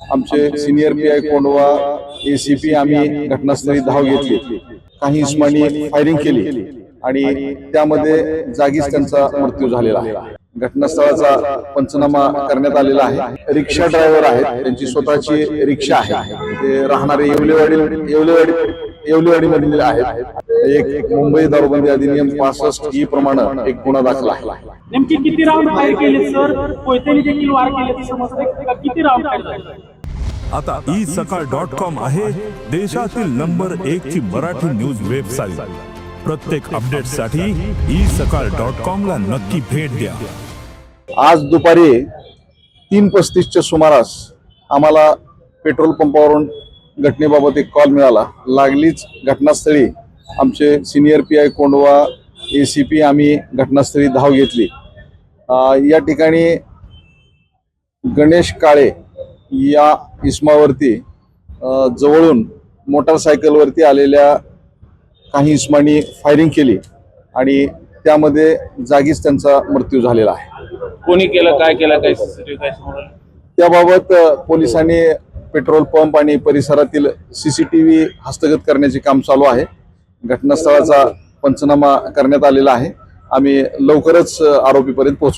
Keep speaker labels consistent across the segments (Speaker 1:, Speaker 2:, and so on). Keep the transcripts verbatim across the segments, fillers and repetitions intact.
Speaker 1: आमचे senior P I Kondhwa ACP आम्ही घटनास्थळी धाव घेतली, काही इस्मानी फायरिंग केली आणि त्यामध्ये जागीच त्यांचा मृत्यू झालेला आहे। घटनास्थळाचा पंचनामा करण्यात आलेला आहे। रिक्षा ड्रायव्हर आहेत, त्यांची स्वतःची रिक्षा आहे, ते राहणारे येवलेवाडी येवलेवाडी येवलेवाडी मधील आहेत। एक मुंबई दारूबंदी अधिनियम पासष्ट ई प्रमाणे एक गुन्हा दाखल आहे।
Speaker 2: नेमकी किती राऊंड फायर केले सर? कोयत्याने देखील वार केल्याचं समजतंय, किती राऊंड फायर झाले?
Speaker 3: आता ई सकाळ डॉट कॉम आहे देशातील नंबर एक ची मराठी न्यूज वेबसाईट। प्रत्येक अपडेटसाठी ई सकाळ डॉट कॉम ला नक्की भेट द्या।
Speaker 1: आज दुपारी तीन पस्तीसच्या सुमारास आम्हाला पेट्रोल पंपावरून घटनेबाबत एक कॉल मिळाला। लागलीच घटनास्थळी आमचे senior P I Kondhwa ACP आम्ही घटनास्थळी धाव घेतली। या ठिकाणी गणेश काळे या इस्मावरती जवळून मोटारसायकलवरती आलेल्या काही इस्मानी फायरिंग केली आणि त्यामध्ये जागीच त्यांचा मृत्यू झालेला आहे।
Speaker 4: कोणी केलं, काय केलं, काय सीसीटीव्ही काय समोर?
Speaker 1: त्याबाबत पोलिसांनी पेट्रोल पंप आणि परिसरातील सीसीटीव्ही हस्तगत करण्याचे काम चालू आहे। घटनास्थळाचा पंचनामा करण्यात आलेला आहे। आम्ही लवकरच आरोपीपर्यंत पोहोचू।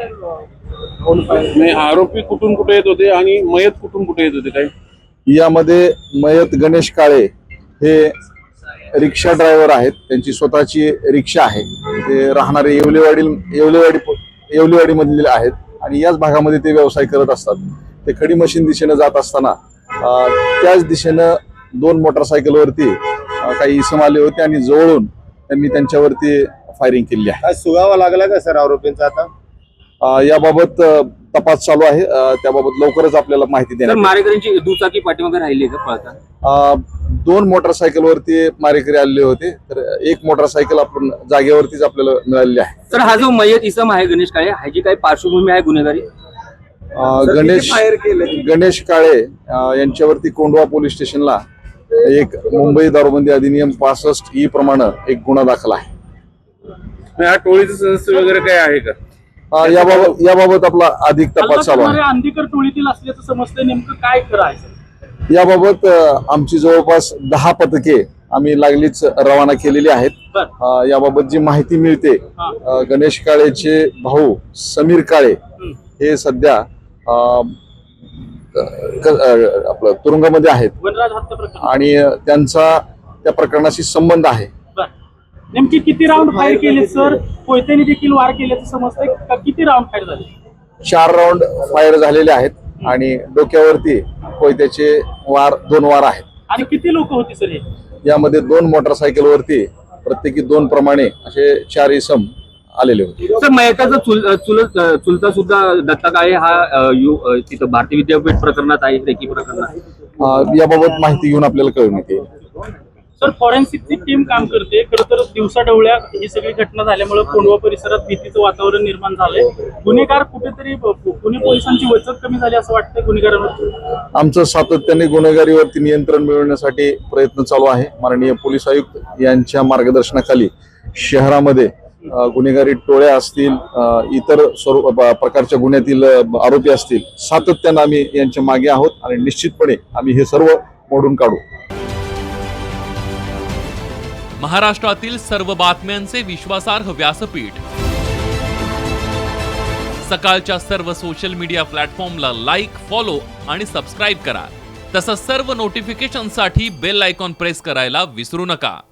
Speaker 4: नाही, आरोपी कुठून कुठे येत होते आणि मयत कुठून कुठे येत होते? काय
Speaker 1: यामध्ये मयत गणेश काळे हे रिक्षा ड्रायव्हर आहेत, त्यांची स्वतःची रिक्षा आहे, ते राहणारे येवलेवाडी येवलेवाडी येवलेवाडी मधील आहेत आणि याच भागामध्ये ते व्यवसाय करत असतात। ते खडी मशीन दिशेने जात असताना त्याच दिशेनं दोन मोटरसायकलवरती काही इसम आले होते आणि जवळून त्यांनी त्यांच्यावरती फायरिंग केली आहे।
Speaker 5: सुगावा लागला का सर आरोपींचा? आता
Speaker 1: याबाबत तपास चालू आहे, त्याबाबत लवकरच आपल्याला माहिती देणार।
Speaker 6: मारेकऱ्यांची दुचाकी पाठीमागे राहिली का पळता?
Speaker 1: दोन मोटरसायकलवरती मारेकरी आलेले होते, तर एक मोटरसायकल आपण जागेवरतीच आपल्याला मिळालेली आहे।
Speaker 6: सर, हा जो मयत इसम आहे गणेश काळे, ह्याची काही पार्श्वभूमी आहे गुन्हेगारी?
Speaker 1: गणेश गणेश काळे यांच्यावरती कोंडवा पोलीस स्टेशनला एक मुंबई दारूबंदी अधिनियम पासष्ट ई प्रमाणे एक गुन्हा दाखल आहे।
Speaker 4: हा टोळीचे सदस्य वगैरे काय आहे का?
Speaker 1: याबाबत याबाबत आपला अधिक तपास चालू आहे।
Speaker 2: अंधीकर टोळीतील असल्याचं समजतंय, नेमकं काय करायचं?
Speaker 1: याबाबत आमची जवळपास दहा पथके आम्ही लागलीच रवाना केलेली आहेत। याबाबत जी माहिती मिळते, गणेश काळेचे भाऊ समीर काळे हे सध्या आपलं तुरुंगामध्ये आहेत
Speaker 2: वनराज हत्या प्रकरण
Speaker 1: आणि त्यांचा त्या प्रकरणाशी संबंध आहे।
Speaker 2: नेमकी किती राऊंड फायर केले सर? कोयत्याने देखील वार केल्याचं समजतंय, किती राऊंड फायर झाले?
Speaker 1: चार राऊंड फायर झालेले आहेत आणि डोक्यावरती कोयत्याचे वार दोन वार आहेत।
Speaker 2: आणि किती लोक होती सर हे?
Speaker 1: यामध्ये दोन मोटरसायकलवरती प्रत्येकी दोन प्रमाणे असे चार इसम आलेले होते।
Speaker 6: सर, मयताचा चुल चुलत चुलता सुद्धा दत्ता काळे हा तिथं भारतीय विद्यापीठ प्रकरणात आहे, रेकी प्रकरणात।
Speaker 1: याबाबत माहिती घेऊन आपल्याला कळून येते।
Speaker 2: सर, फॉरेन्सिकची टीम काम करते। खरं तर दिवसा ढवळ्या ही सगळी घटना झाल्यामुळे कोंडवा परिसरात भीतीचं वातावरण निर्माण झालंय। गुन्हेगार कुठेतरी पुणे पोलिसांची वचक कमी झाली असं वाटतंय गुन्हेगारांवर?
Speaker 1: आमचं सातत्याने गुन्हेगारीवरती नियंत्रण मिळवण्यासाठी प्रयत्न चालू आहे। माननीय पोलीस आयुक्त यांच्या मार्गदर्शनाखाली शहरामध्ये गुन्हेगारी टोळ्या असतील, इतर स्वरूप प्रकारच्या गुन्ह्यातील आरोपी असतील, सातत्याने आम्ही यांच्या मागे आहोत आणि निश्चितपणे आम्ही हे सर्व मोडून काढू।
Speaker 7: महाराष्ट्रातील सर्व बातम्यांचे विश्वासार्ह व्यासपीठ सकाळच्या सर्व सोशल मीडिया प्लॅटफॉर्मला लाईक, फॉलो आणि सबस्क्राईब करा। तसंच सर्व नोटिफिकेशनसाठी बेल आयकॉन प्रेस करायला विसरू नका।